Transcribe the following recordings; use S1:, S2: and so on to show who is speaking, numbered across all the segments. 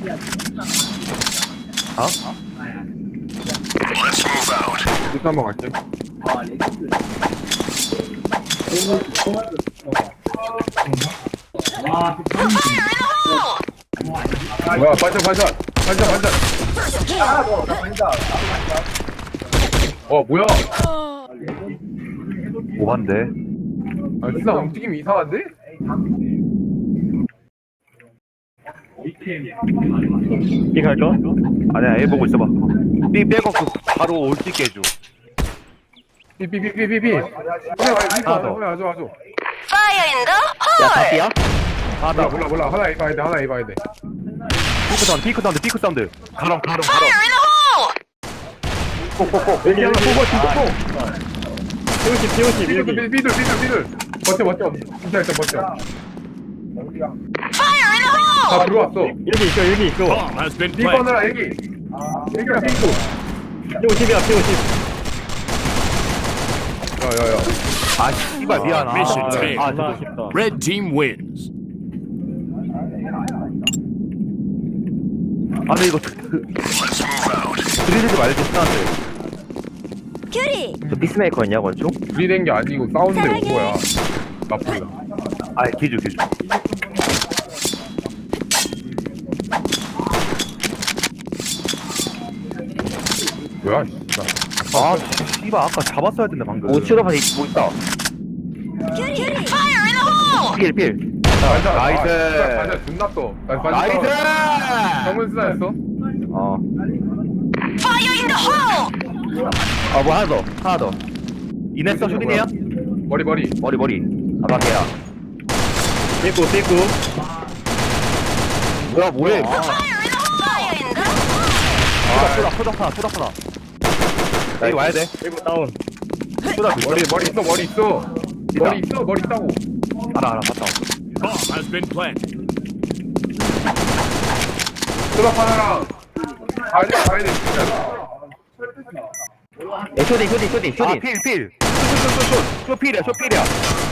S1: 어?
S2: 이거 한번 갈게. 뭐야, 반전. 뭐야?
S1: 오반데.
S2: 아, 진짜 움직임이 이상한데?
S3: B 갈까?
S1: 아니야, A 보고 있어봐. B 빼고 바로 올 수 있게 해줘.
S2: 삐.
S1: 하나 더.
S2: 와줘.
S4: Fire in the
S3: 야,
S4: hole!
S3: 답이야?
S2: 몰라. 하나 입어야 돼.
S1: 피크 사운드. 가롱.
S4: Fire in the hole!
S3: 여기,
S2: 여기
S3: 여기.
S2: 보고.
S3: P50, 여기.
S2: 삐들. 버텨. 진짜 일단 버텨.
S4: Fire in the hole!
S2: 다 들어왔어.
S3: 여기 있어.
S5: Bomb has been planted.
S2: 삐거느라 애기. 애기랑 삐고.
S3: P50이야, P50.
S2: 야야야.
S1: 아, 씨발, 미안.
S5: Mission failed.
S3: 존나 아쉽다.
S5: Red team wins.
S1: 아니, 이거. 들이대지 말고 스나한테.
S4: 큐리!
S3: 저 피스메이커였냐, 권총?
S2: 둘이 된 게 아니고 싸우는데 온 거야. 나쁘다.
S1: 아, 기주.
S2: 뭐야? 씨발.
S1: 아, 씨발, 아까 잡았어야 된다, 방금.
S3: 우측으로 뭐 있다.
S4: 큐리! Fire in the hole!
S3: 필.
S1: 나이스.
S2: 반전 존나 떠.
S1: 나이스!
S2: 정문 스나였어?
S3: 어.
S4: Fire in the hole!
S3: 뭐 하나 더.
S1: 이냈어, 슈딩이야?
S2: 머리.
S1: 머리. 아바게야.
S3: 삐꾸.
S1: 뭐야.
S4: Fire in the hole!
S1: 소다. 여기 와야 돼.
S3: 삐꾸 다운.
S1: 소다
S2: 머리 있어. 머리 있다고.
S1: 알아, 봤다.
S5: Bomb has been planted.
S2: 수납 하나랑. 가야 돼, 진짜.
S3: 쇼딩.
S1: 아, 필. 쇼필이야.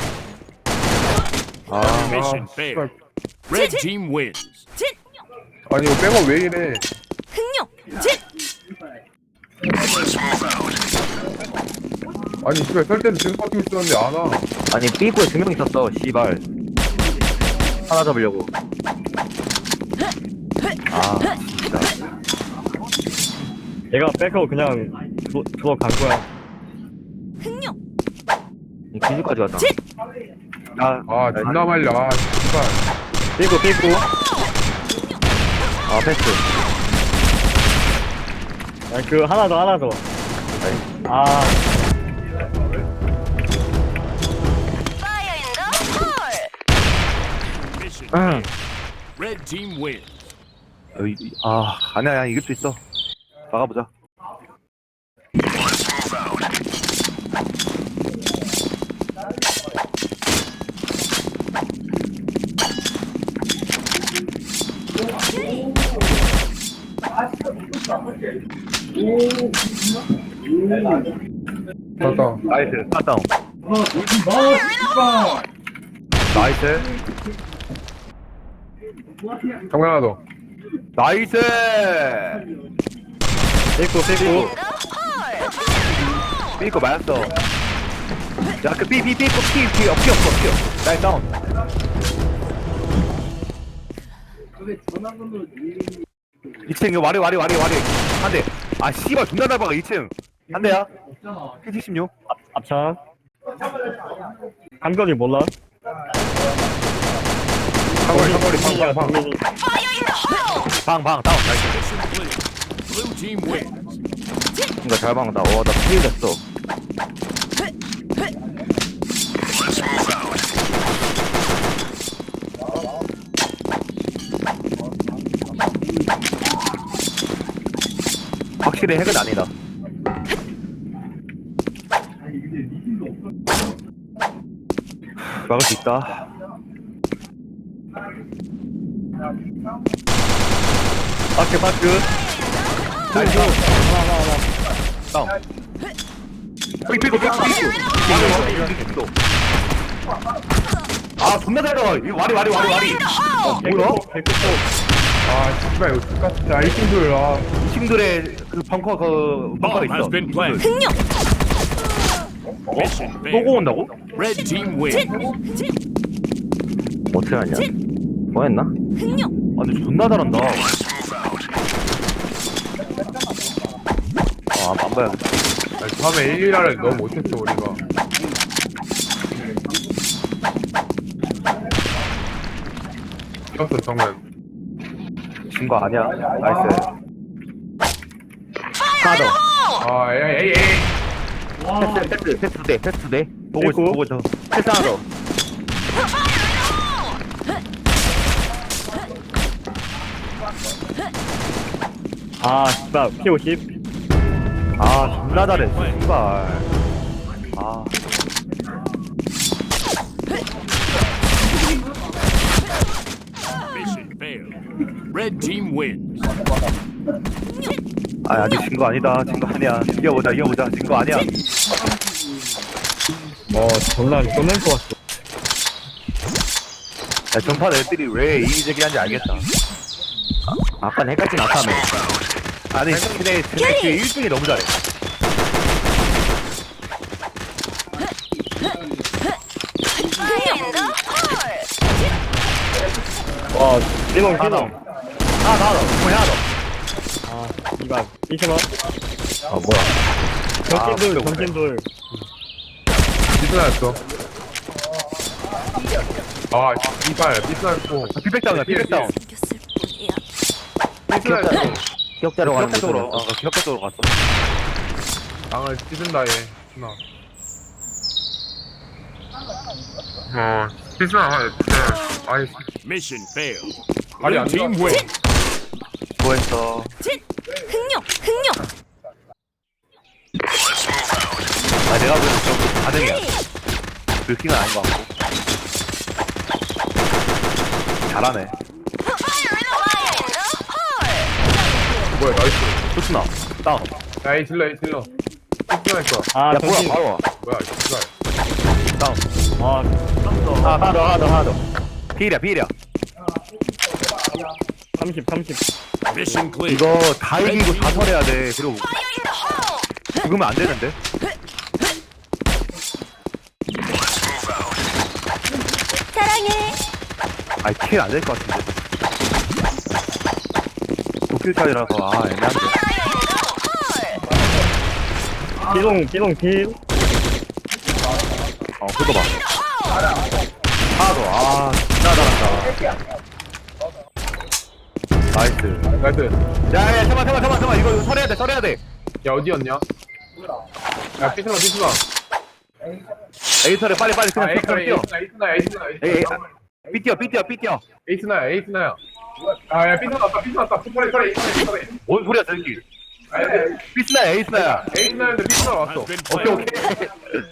S5: Mission failed. Red team wins.
S4: 진!
S2: 아니, 이거 백업 왜 이래.
S4: 흥룡! 진!
S2: 아니, 씨발, 설 때도 계속 버티고 있었는데 안 와.
S3: 아니, 삐꾸에 2명 있었어, 씨발. 하나 잡으려고. 진짜. 얘가 백업 그냥 간 거야.
S4: 흥룡!
S3: 기지까지 갔다.
S4: 진!
S2: 아, 존나 말려. 아, 씨발.
S3: 삐꾸. 패스. 하나 더.
S4: Fire in the hole!
S5: Mission
S3: 응.
S5: failed. Red team wins.
S1: 아니야, 이길 수 있어. 막아보자.
S2: 맞다.
S1: 나이스, 샷다운. 나이스.
S2: 정면 하나 더.
S1: 나이스!
S3: 삐꾸.
S4: The hole!
S1: 삐거 맞았어. 야, 그 삐 없어. 나이스 다운. 2층, 이거 와리. 한 대. 아, 씨발, 존나 날박아, 2층. 한 대야. P76.
S3: 앞차. 감각이 몰라?
S2: 상거리, 방.
S4: Fire in the hole!
S1: 다운. 나이스.
S5: Mission clear. Blue team wins.
S3: 뭔가 잘 박는다. 나 피해 됐어.
S1: 확실히 핵은 아니다. 막을 수 있다.
S3: 바크.
S1: 나이스.
S3: 하나.
S1: 다운. 삐고. 아, 존나 잘 나와. 이거 와리.
S4: Fire in the hole!
S1: 뭐야?
S3: 백구포.
S2: 아 씨발 이거 똑같아. 1팀들 아.
S1: 팀들의 그 벙커 벙커가
S5: Bomb has
S1: 있어.
S5: been planted.
S4: 흥룡.
S5: Mission
S1: 또
S5: failed.
S1: 고온다고?
S5: Red team wins.
S3: 어떻게 하냐? 뭐 했나?
S4: 흥룡.
S1: 아 근데 존나 잘한다. 안 봐요.
S2: 다음에 1-1을 너무 못했어 우리가. 이겼어 정면.
S1: 진 거 아니야. 나이스. 하나 더.
S2: 아 에이.
S3: 패스 두 대, 패스 두 대.
S1: 보고 있어, 보고 있어.
S3: 패스 하나 더.
S6: 아, 씨발, P50.
S1: 아, 존나 잘해. 씨발. 아,
S5: Mission failed. Red team wins.
S1: 아직 진 거 아니다. 진 거 아니야. 이겨보자. 진 거 아니야.
S6: 졸라 끝낼 것 같어.
S1: 야, 전판 애들이 왜 이기적이한지 알겠다.
S3: 아까 헷갈진 않다며.
S1: 아니, 쟤네 그 1등이 너무 잘해.
S6: 와, 띠롱,
S1: 하나 더.
S6: 띠롱.
S1: 하나 더. 뭐야, 하나 더.
S6: 아, 이발. 이시마.
S3: 아, 뭐야.
S6: 정신돌,
S1: 그래.
S6: 정신돌.
S2: 삐스나였어. 아 이발 삐스나였고.
S1: 비백다운이야, 비백다운.
S4: 이겼을 뿐이야.
S2: 삐스나였어.
S3: 기억자로 가는
S1: 기억자 쪽으로.
S3: 거죠.
S1: 기억자 쪽으로 갔어.
S2: 땅을 찢은다 얘. 삐스나 아니
S5: Mission failed.
S2: 말이
S5: Blue
S2: 안
S5: team
S2: 들어.
S5: wins.
S1: 수고했어.
S4: 흥룡. 흥룡.
S1: 아, 내가 보기엔 좀 가능이야. 불킹은 아닌 것 같고. 잘하네.
S2: 뭐야 나이스.
S1: 좋구나. 다운.
S2: 야 에이 질러. 삐스나였어.
S6: 아,
S1: 야, 뭐야,
S6: 정신.
S1: 바로 와.
S2: 뭐야 씨발.
S1: 다운.
S6: 아,
S1: 하나 더. 필이야.
S6: 30.
S5: Mission clear.
S1: 이거 다 이기고 다 설해야 돼. 그리고 죽으면 안 되는데.
S4: 사랑해.
S1: 아니, 킬 안 될 것 같은데. 도킬 차이라서, 애매한데.
S6: 띠롱, 필.
S1: 그거 봐. 하나 더. 존나 잘한다. 나이스.
S2: 나이스.
S1: 야, 잠깐만. 이거 설해야 돼.
S2: 야 어디였냐? 야 삐스나.
S1: 에이설에 빨리 그냥 뛰어.
S2: 에이스나.
S1: 에이, 삐뛰어.
S2: 에이스나야. 아야 삐스나 왔다. 소리 에이스나.
S1: 뭔 소리야, 저기. 삐스나야, 에이스나야.
S2: 에이스나였는데 삐스나 왔어.
S5: Has been
S1: 오케이.
S5: planted.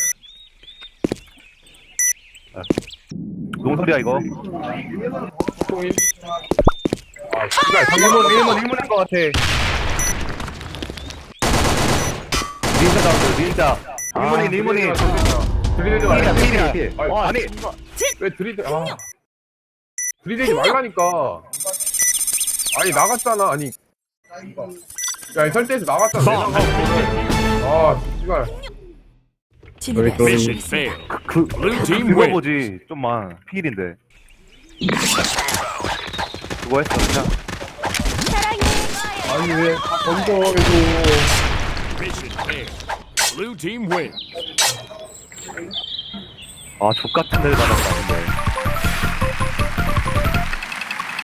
S1: 농소리야, 이거.
S2: 통일. 아 씨발
S1: 일문인 것 같아. 닌자 나왔어, 닌자. 일문인.
S2: 드리대지 말라.
S1: 필이야. 아니,
S2: 왜 드리대? 드리대지 말라니까. 아니 나갔잖아. 아니. 야 이 설대에서 나갔잖아.
S5: Bomb has been defused.
S2: 아 씨발.
S4: 진입했어.
S5: Mission failed. Blue team
S1: 그거
S5: wins.
S1: 보지. 좀만. 필인데. 수고했어, 그냥.
S4: 사랑해.
S2: 아니 왜 던져 이거.
S5: Mission failed. Blue team wins.
S1: 족같은 데를 받았다, 근데.